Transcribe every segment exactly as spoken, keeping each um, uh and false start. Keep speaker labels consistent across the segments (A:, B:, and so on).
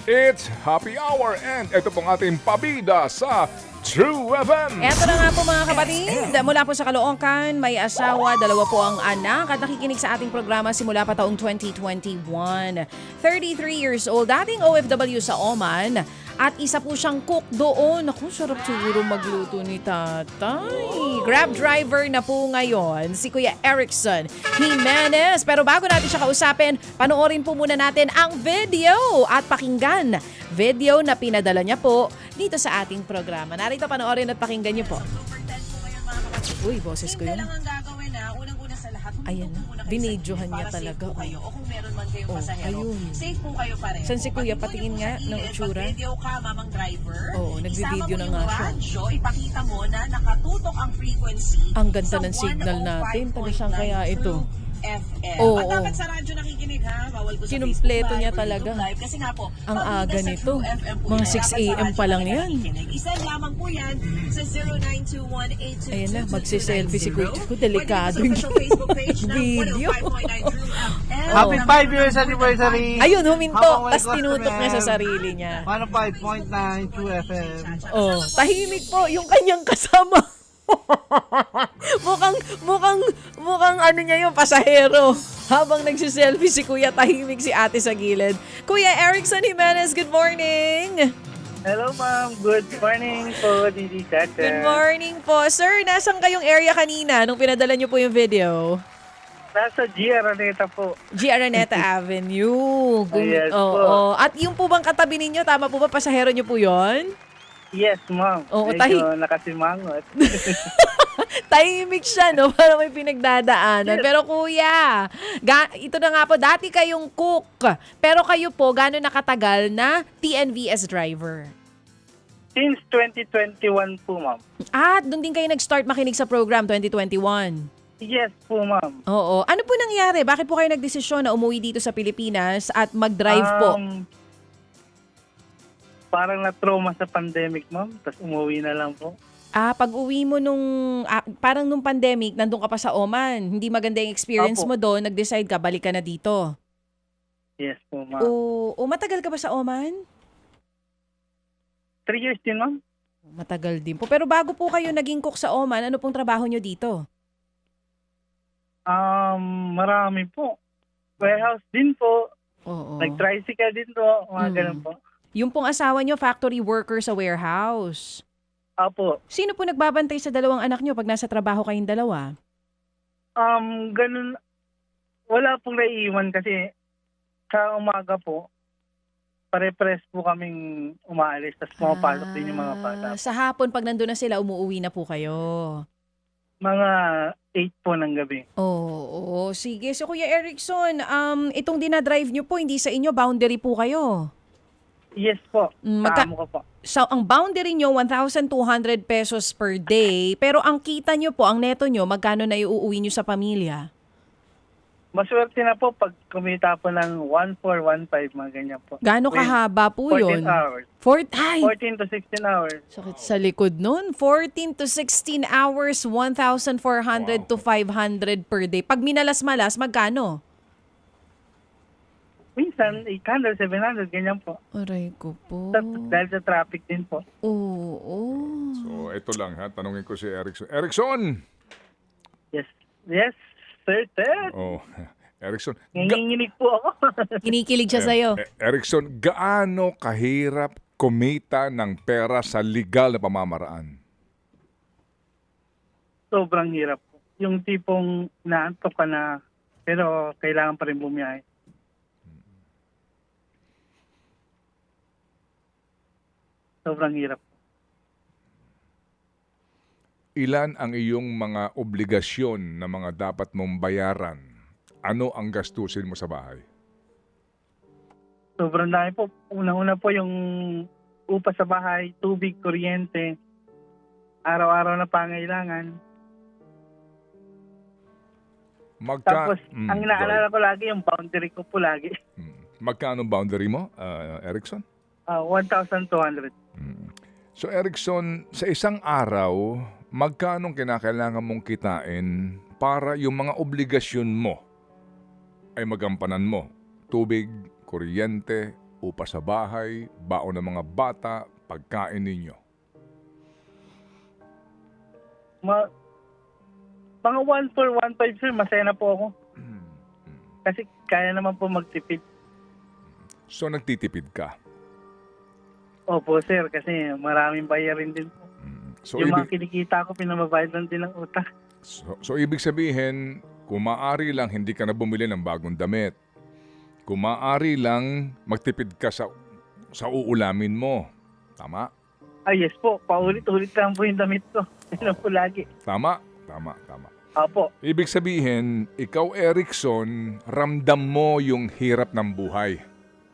A: It's Happy Hour and ito pong ating pabida sa True F M.
B: Eto na nga po mga kapatid, mula po sa Caloocan, may asawa, dalawa po ang anak at nakikinig sa ating programa simula pa taong twenty twenty-one. thirty-three years old, dating O F W sa Oman at isa po siyang cook doon. Naku, sarap siguro magluto ni tatay. Grab driver na po ngayon, si Kuya Erickson Jimenez. Pero bago natin siya kausapin, panoorin po muna natin ang video at pakinggan. Video na pinadala niya po dito sa ating programa. Narito, panoorin at pakinggan niyo po. Uy, boses ko yun.
C: Hindi lang ang gagawin na, unang-una sa lahat,
B: Ayan
C: huminto
B: na.
C: po muna kayo
B: Binidyohan
C: sa
B: niya
C: para
B: talaga,
C: safe po
B: oh.
C: kayo. O kung meron man kayong
B: Oh,
C: pasahero,
B: ayun.
C: safe po kayo pareho.
B: Saan si Kuya?
C: Pag
B: Patingin
C: ito
B: nga
C: yung
B: ng
C: sa
B: itsura.
C: Pag video ka, mamang driver,
B: Oo, nagbi-video na
C: isama mo
B: nga
C: yung
B: siya.
C: radyo, ipakita mo na nakatutok ang frequency
B: Ang ganda
C: sa
B: ng signal natin. Taga saan kaya
C: one oh five point nine
B: ito?
C: True F M.
B: Oo,
C: At dapat
B: oo.
C: sa radyo nakikinig ha, bawal ko sa
B: Kinumpleto
C: Facebook
B: niya
C: Live or
B: talaga.
C: YouTube Live. Kasi nga po,
B: Ang
C: pag
B: aga
C: dito sa
B: nito.
C: True F M po
B: Mga
C: yan,
B: six
C: dapat sa
B: a.m.
C: radyo
B: pa lang
C: talaga
B: yan.
C: nakikinig. Isend lamang po yan sa zero nine two one eight two two
B: Ayan na,
C: two two
B: magsiselfie si
C: nine zero.
B: Kuya. Delikado
C: Pwede po sa official Facebook page ng
B: Video.
C: one oh five point nine True F M.
D: Happy five years anniversary!
B: Ayun, huminto.
D: Habang may
B: Tapos tinutok niya sa
D: customer,
B: sarili niya.
D: one oh five point nine True F M.
B: Oh, tahimik po yung kanyang kasama. mukhang, mukhang, mukhang ano niya yung pasahero. Habang nagsiselfie si Kuya, tahimik si ate sa gilid. Kuya Erickson Jimenez, good morning!
D: Hello ma'am, good morning po, Didi Chacha.
B: Good morning po. Sir, nasan kayong area kanina nung pinadala niyo po yung video?
D: Nasa G. Araneta po.
B: G. Araneta Avenue. Gum-
D: Yes
B: Oo,
D: po.
B: oo. At yung po bang katabi ninyo, tama po ba, pasahero niyo po yon?
D: Yes ma'am,
B: Oo,
D: medyo
B: tahi-
D: nakasimangot.
B: Tahimik siya, no? Para may pinagdadaanan. Pero kuya, ga- ito na nga po, dati kayong cook. Pero kayo po, gano'n nakatagal na T N V S driver?
D: Since twenty twenty-one po ma'am.
B: At doon din kayo nag-start makinig sa program twenty twenty-one.
D: Yes po ma'am.
B: Oo. Ano po nangyari? Bakit po kayo nagdesisyon na umuwi dito sa Pilipinas at mag-drive po?
D: Um, Parang na-trauma sa pandemic ma'am, tapos umuwi na lang po.
B: Ah, pag uwi mo nung, ah, parang nung pandemic, nandun ka pa sa Oman. Hindi maganda yung experience
D: Opo.
B: mo doon, nag-decide ka, balik ka na dito.
D: Yes po ma'am.
B: O, o matagal ka ba sa Oman?
D: Three years din ma'am.
B: Matagal din po. Pero bago po kayo naging cook sa Oman, ano pong trabaho nyo dito?
D: Um, marami po. Warehouse din po.
B: Oo.
D: Nag-tricycle din po. Mga
B: Mm.
D: ganun po.
B: Yung pong asawa nyo, factory worker sa warehouse.
D: Apo.
B: Sino po nagbabantay sa dalawang anak nyo pag nasa trabaho kayong dalawa?
D: Um, ganun. Wala pong naiiwan kasi sa umaga po, pare-press po kaming umaalis tapos pumapasok din yung mga bata.
B: Ah, Sa hapon, pag nandun na sila, umuwi na po kayo.
D: Mga eight po ng gabi.
B: Oo, oo. Sige. So, Kuya Erickson, um, itong dinadrive nyo po, hindi sa inyo, boundary po kayo.
D: Yes po.
B: Mm, magka-
D: Kaamo ko po.
B: So, ang boundary nyo, one thousand two hundred pesos per day. Pero ang kita nyo po, ang neto nyo, magkano na iuuwi nyo sa pamilya?
D: Maswerte na po pag kumita po ng one four one five mga ganyan po.
B: Gaano
D: With
B: kahaba po yun?
D: fourteen hours.
B: Four, ay,
D: fourteen to sixteen hours.
B: sakit sa likod nun. fourteen to sixteen hours, one thousand four hundred to five hundred per day. Pag minalas-malas, magkano?
D: Minsan, eight hundred, seven hundred, ganyan po.
B: Aray ko po.
D: Tapos dahil sa traffic din po.
B: Oo. oo.
A: So ito lang ha, tanungin ko si Erickson. Erickson!
D: Yes. Yes, sir, sir.
A: Oh, Erickson. Ga-
D: Nanginginig po ako.
B: Kinikilig siya sa'yo.
A: Eh, Erickson, gaano kahirap kumita ng pera sa legal na pamamaraan?
D: Sobrang hirap po. Yung tipong naantok ka na, pero kailangan pa rin bumiyahe. Sobrang hirap.
A: Ilan ang iyong mga obligasyon na mga dapat mong bayaran? Ano ang gastusin mo sa bahay?
D: Sobrang dami po. Unang-una po yung upa sa bahay, tubig, kuryente, araw-araw na pangailangan.
A: Magka-
D: Tapos,
A: Mm,
D: ang
A: go
D: inaalala ko lagi, yung boundary ko po lagi.
A: ahead. Mm. Magkano boundary mo, uh, Erickson?
D: Uh, one thousand two hundred.
A: Mm. So Erickson, sa isang araw, magkano kinakailangan mong kitain para yung mga obligasyon mo ay magampanan mo? Tubig, kuryente, upa sa bahay, baon ng mga bata, pagkain ninyo?
D: Ma mga one four, one five, sir, masaya na po ako. Kasi kaya naman po magtipid.
A: So nagtitipid ka.
D: Opo, sir, kasi maraming bayarin din po.
A: So,
D: yung
A: ibig,
D: mga kinikita ko, pinamabayad lang din ng utang.
A: so, so ibig sabihin, kung maaari lang hindi ka na bumili ng bagong damit. Kung maaari lang magtipid ka sa sa uulamin mo. Tama?
D: Ah, yes po, paulit-ulit lang po yung damit ko. Yun po lagi.
A: Tama? Tama, tama.
D: Opo,
A: Ibig sabihin, ikaw Erickson, ramdam mo yung hirap ng buhay.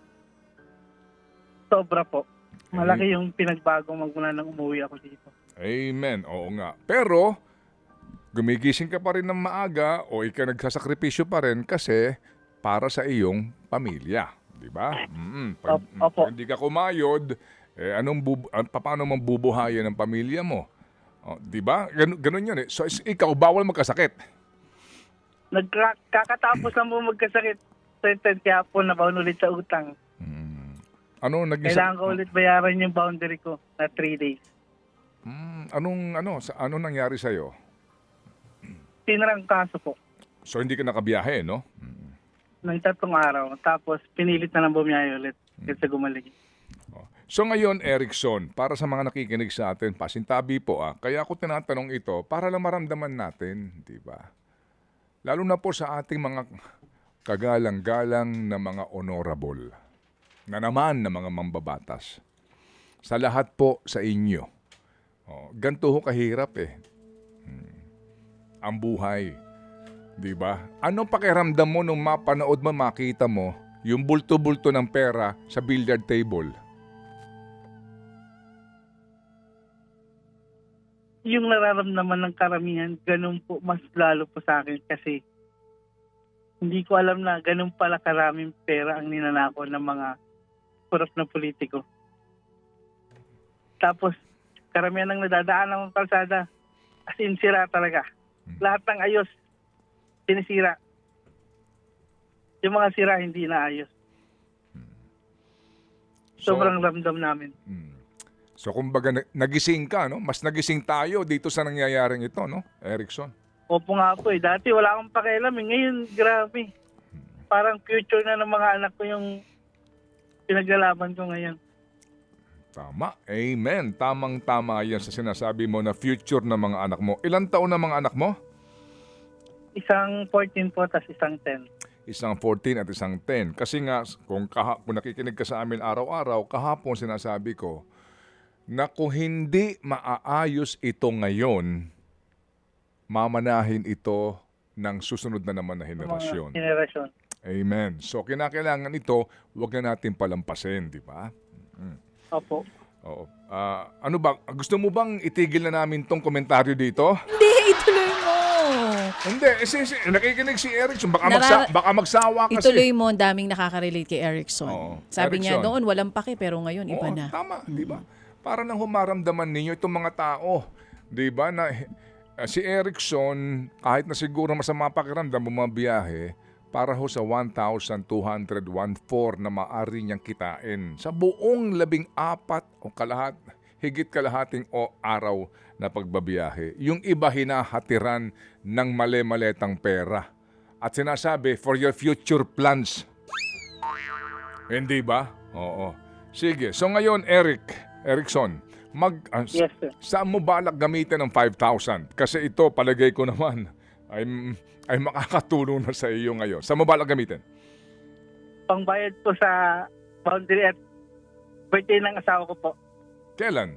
D: sobra po. Malaki yung pinagbago magmula nang umuwi ako dito.
A: Amen. Oo nga. Pero, gumigising ka pa rin ng maaga o ikaw nagsasakripisyo pa rin kasi para sa iyong pamilya. Di ba? Mm, pag,
D: Op- opo.
A: pag hindi ka kumayod, eh, anong bub- an- paano mong bubuhayan ng pamilya mo? O, di ba? Gan- ganun yun eh. So, is- ikaw, bawal magkasakit.
D: Nagkakatapos lang po magkasakit. Certain kaya po nabaon ulit sa utang.
A: Ano naging
D: Kailangan ko ulit bayaran yung boundary ko na three days.
A: Mm, anong ano sa ano nangyari sa iyo?
D: Tinarang kaso po
A: So hindi ka nakabiyahe, no?
D: ng tatlong araw. Tapos pinilit na lang bumiyahe ulit kasi gumaling.
A: Oh. So ngayon, Erickson, para sa mga nakikinig sa atin, pasintabi po ah. Kaya ako tinatanong ito para lang maramdaman natin, di ba? Lalo na po sa ating mga kagalang-galang na mga honorable na naman na mga mambabatas. Sa lahat po sa inyo. Oh, ganito ho kahirap eh. Hmm. Ang buhay. Di ba? Anong pakiramdam mo nung mapanood mo, makita mo yung bulto-bulto ng pera sa billiard table?
D: Yung nararamdaman ng karamihan, ganun po mas lalo po sa akin kasi hindi ko alam na ganun pala karaming pera ang ninanako ng mga korap na politiko. Tapos, karamihan ng nadadaan ng kalsada, as in sira talaga. Lahat ng ayos, sinisira. Yung mga sira, hindi na ayos.
A: So-
D: Sobrang ramdam namin.
A: So kumbaga na- nagising ka, no? Mas nagising tayo dito sa nangyayaring ito, no? Erickson.
D: Opo nga po eh. Dati wala akong pakialam eh. Ngayon, grabe. Parang future na ng mga anak ko yung pinaglalaban ko ngayon.
A: Tama. Amen. Tamang-tama yan sa sinasabi mo na future ng mga anak mo. Ilan taon na mga anak mo?
D: Isang fourteen po, tas isang ten.
A: Isang fourteen at isang ten. Kasi nga, kung, kaha- kung nakikinig ka sa amin araw-araw, kahapon sinasabi ko na kung hindi maaayos ito ngayon, mamanahin ito ng susunod na naman na
D: Mga
A: henerasyon.
D: generasyon.
A: Amen. So, kinakailangan ito, huwag na natin palampasin, di ba?
D: Opo.
A: Oo. Ah, ano ba, gusto mo bang itigil na namin tong komentaryo dito?
B: Hindi, ituloy mo.
A: Hindi, eh, si, si, nakikinig si Erickson, baka,
B: Narara-
A: magsa, baka magsawa kasi.
B: Ituloy mo, ang daming nakaka-relate kay Erickson.
A: Oo.
B: Sabi niya,
A: Erickson.
B: noon walang pake, pero ngayon iba
A: Oo,
B: na.
A: tama, di ba? Para nang humaramdaman ninyo itong mga tao, di ba, na eh, si Erickson, kahit na siguro masama pakiramdam, bumabiyahe, para ho sa one thousand two hundred fourteen na maaari niyang kitain sa buong labing apat o kalahat, higit kalahating o araw na pagbabiyahe. Yung iba hinahatiran ng mali-maletang pera. At sinasabi, for your future plans. Hindi ba? Oo. Sige. So ngayon, Eric, Erickson, mag, uh,
D: Yes, sir.
A: saan mo balak gamitin ng five thousand? Kasi ito, palagay ko naman, ay, ay makakatulong na sa iyo ngayon. Saan mo balak gamitin?
D: Pangbayad po sa boundary at birthday ng asawa ko po.
A: Kailan?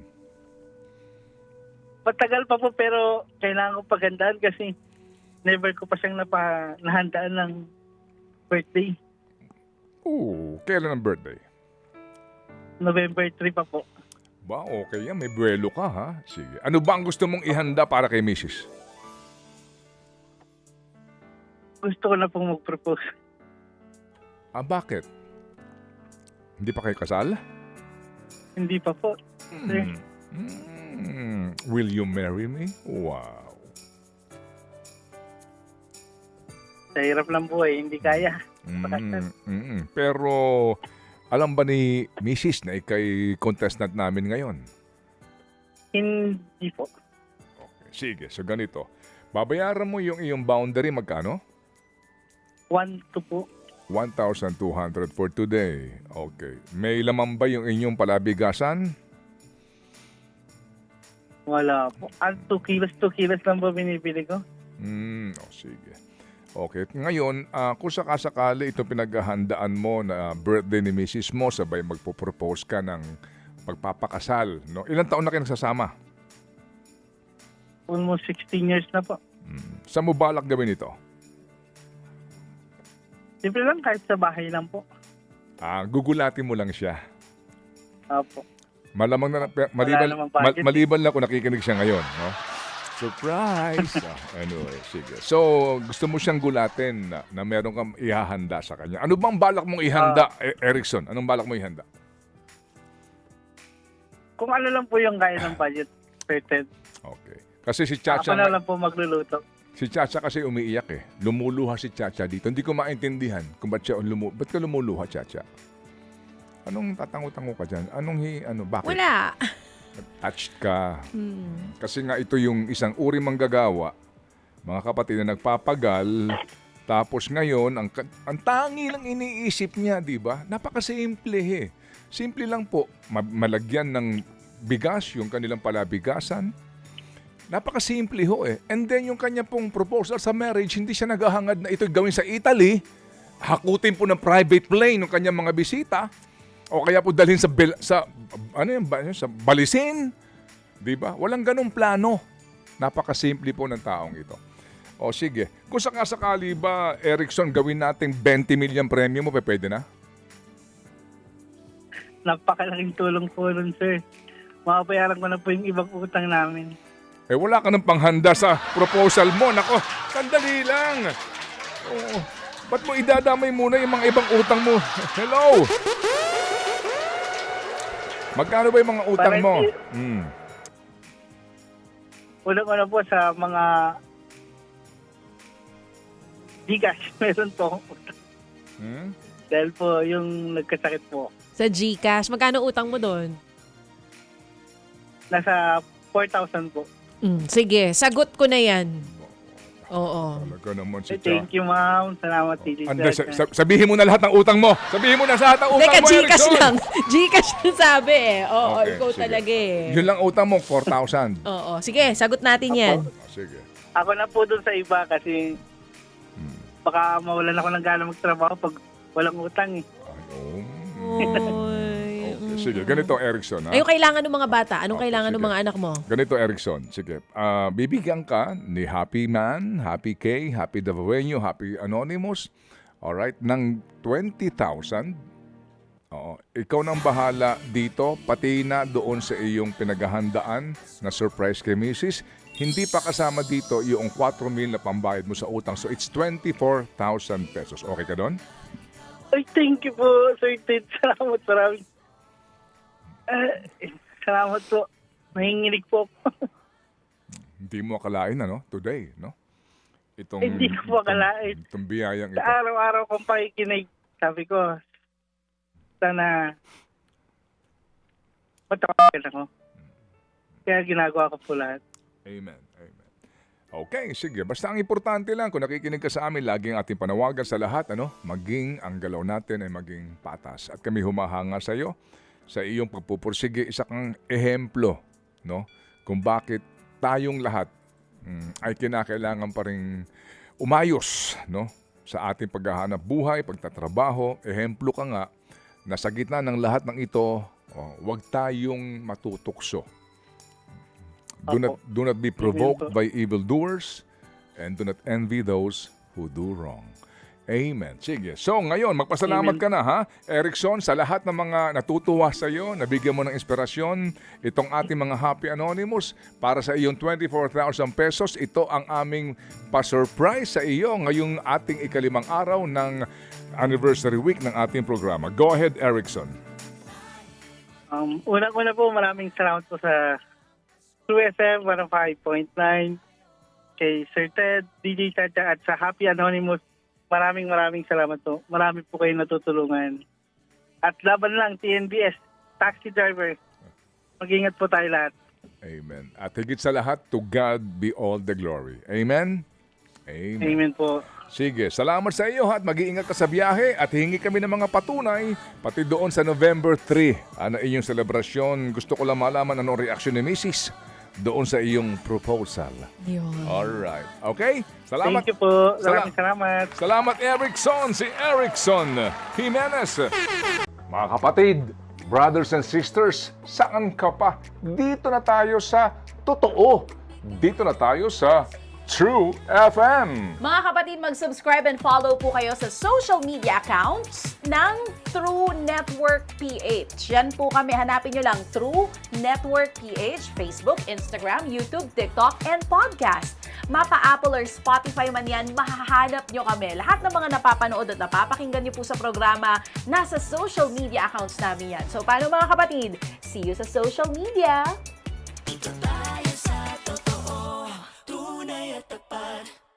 D: Patagal pa po pero kailangan ko pagandaan kasi never ko pa siyang napa, nahandaan ng birthday.
A: Oo, kailan ang birthday?
D: November three pa po.
A: Ba, okay yan. May buwelo ka, ha? Sige. Ano ba ang gusto mong ihanda para kay missus?
D: Gusto ko na pong mag-propose.
A: Ah, bakit? Hindi pa kayo kasal?
D: Hindi pa po. Sir,
A: Hmm. Will you marry me? Wow.
D: sa hirap lang po eh. Hindi kaya.
A: Mm, mm, pero Alam ba ni Missus na ikay contestant namin ngayon?
D: Hindi po.
A: Okay. Sige, so ganito. Babayaran mo yung iyong boundary, magkano?
D: One, two po.
A: one thousand two hundred for today. Okay. May laman ba yung inyong palabigasan?
D: Wala po. Ah, two kilos, two kilos lang po binibili ko.
A: Hmm, oh, sige. Okay. Ngayon, ah, kung sakasakali ito pinaghahandaan mo na birthday ni Missus mo, sabay magpo-propose ka ng pagpapakasal, no? Ilang taon na kayo nagsasama?
D: Almost sixteen years na po.
A: Hmm. Saan mo balak gawin ito?
D: Simple lang, kahit sa bahay lang po.
A: Ah, gugulatin mo lang siya.
D: Opo.
A: Malamang na, maliban,
D: namang
A: mal,
D: budget.
A: maliban lang kung nakikinig siya ngayon, no? Surprise! Ah, anyway, sige. So, gusto mo siyang gulatin na, na meron kang ihahanda sa kanya. Ano bang balak mong ihanda, E- Erickson? Anong balak mo ihanda?
D: Kung ano lang po yung kaya ng budget, certain.
A: Okay. Kasi si
D: Ako
A: Chacha,
D: na lang po magluluto.
A: si Chacha kasi umiiyak eh. Lumuluha si Chacha dito. Hindi ko maintindihan kung ba't siya lumu ba't ka lumuluha, Chacha? Anong tatango-tango ka dyan? Anong hi, ano, bakit?
B: Wala.
A: Attached ka.
B: Hmm.
A: Kasi nga ito yung isang uri manggagawa, mga kapatid na nagpapagal, tapos ngayon, ang, ka- ang tangi lang iniisip niya, di ba? Napakasimple eh. Simple lang po, ma- malagyan ng bigas, yung kanilang palabigasan. Napakasimple ho eh. And then yung kanya pong proposal sa marriage, hindi siya naghahangad na ito gawin sa Italy. Hakutin po ng private plane ng kanyang mga bisita. O kaya po dalhin sa bel- sa ano yan ba sa balisin, 'di ba? Walang ganung plano. Napakasimple po ng taong ito. O sige, kung sakasakali ba Erickson gawin nating twenty million premium mo, pwede na?
D: Napakalaking tulong po nun, sir. Makabayaran ko na po yung ibang utang namin.
A: Eh wala ka ng panghanda sa proposal mo. Nako, sandali lang. Oo. Ba't mo idadamay muna yung mga ibang utang mo? Hello? Magkano ba yung mga utang
D: Para
A: mo?
D: hindi-
A: Hmm.
D: Unang-una po sa mga Gcash, meron po akong utang.
A: Hmm?
D: Dahil po yung nagkasakit po.
B: Sa GCash, magkano utang mo doon?
D: Nasa four thousand po.
B: Mm, sige, sagot ko na yan. Oo.
A: Talaga naman si
D: Eh,
A: Cha.
D: thank you, ma'am. Salamat, Titi.
A: Anda, sa- sa- sabihin mo na lahat ng utang mo. Sabihin mo na sa lahat ng utang
B: Teka,
A: mo,
B: GCash
A: Erickson.
B: lang. GCash lang sabi eh. Oo,
A: Okay,
B: ikaw
A: sige.
B: talaga eh.
A: Yun lang utang mo, four thousand.
B: Oo, sige, sagot natin yan.
A: Sige.
D: Ako na po dun sa iba kasi baka mawalan ako ng gana magtrabaho pag walang utang eh.
A: Ay, oh.
B: Oy.
A: Okay, sige, ganito Erickson. Ha?
B: Ayun kailangan ng mga bata. Anong
A: Okay,
B: kailangan ng
A: sige.
B: mga anak mo?
A: Ganito Erickson, sige. Ah, bibigyan ka ni Happy Man, Happy K, Happy Davawenyo, Happy Anonymous, alright, ng twenty thousand. Oo. Ikaw nang bahala dito, pati na doon sa iyong pinaghahandaan na surprise kay Missus Hindi pa kasama dito yung four mil na pambayad mo sa utang. So it's twenty-four thousand pesos. Okay ka doon?
D: Ay, thank you po, Sir Ted. Salamat maraming. Eh, salamat po. Nahinginig po ako.
A: Hindi mo akalain ano, today, no? Itong,
D: Hindi ko po akalain.
A: Itong, itong biyayang
D: Sa
A: ito.
D: araw-araw kong pakikinig, sabi ko, sana matawagan ako. Kaya ginagawa ko po lahat.
A: Amen. Amen. Okay, sige. Basta ang importante lang, kung nakikinig ka sa amin, laging ating panawagan sa lahat, ano, maging ang galaw natin ay maging patas. At kami humahanga sa iyo, sa iyong pagpupursige, isa kang ehemplo, no? Kung bakit tayong lahat mm, ay kinakailangan pa rin umayos, no? Sa ating paghahanap buhay, pagtatrabaho, ehemplo ka nga na sa gitna ng lahat ng ito, oh, huwag tayong matutukso. Do not, do not be provoked by evildoers and do not envy those who do wrong. Amen. Sige. So ngayon, magpasalamat
D: Amen.
A: ka na ha, Erickson, sa lahat ng mga natutuwa sa iyo, nabigyan mo ng inspirasyon, itong ating mga Happy Anonymous, para sa iyong twenty-four thousand pesos, ito ang aming pa-surprise sa iyo ngayong ating ikalimang araw ng anniversary week ng ating programa. Go ahead, Erickson.
D: Um, Una-una po, maraming salamat po sa True S M one oh five point nine, kay Sir Ted, D J Chacha, at sa Happy Anonymous. Maraming maraming salamat po. Marami po kayo natutulungan. At laban lang, T N B S, taxi driver. Mag-ingat po tayo lahat.
A: Amen. At higit sa lahat, to God be all the glory. Amen? Amen.
D: Amen po.
A: Sige, salamat sa iyo ha, at mag-iingat ka sa biyahe at hingi kami ng mga patunay pati doon sa November third. Ano inyong selebrasyon? Gusto ko lang malaman anong reaksyon ni Missus doon sa iyong proposal.
B: Yun.
A: Alright. Okay? Salamat.
D: Thank you po.
A: Sala-
D: Maraming salamat.
A: Salamat, Erickson. Si Erickson Jimenez. Mga kapatid, brothers and sisters, saan ka pa? Dito na tayo sa totoo. Dito na tayo sa True F M.
B: Mga kapatid, mag-subscribe and follow po kayo sa social media accounts ng True Network P H. Yan po kami. Hanapin nyo lang True Network P H, Facebook, Instagram, YouTube, TikTok, and podcast. Mapa Apple or Spotify man yan, mahahanap nyo kami. Lahat ng mga napapanood at napapakinggan nyo po sa programa, nasa social media accounts namin yan. So, paano mga kapatid? See you sa social media!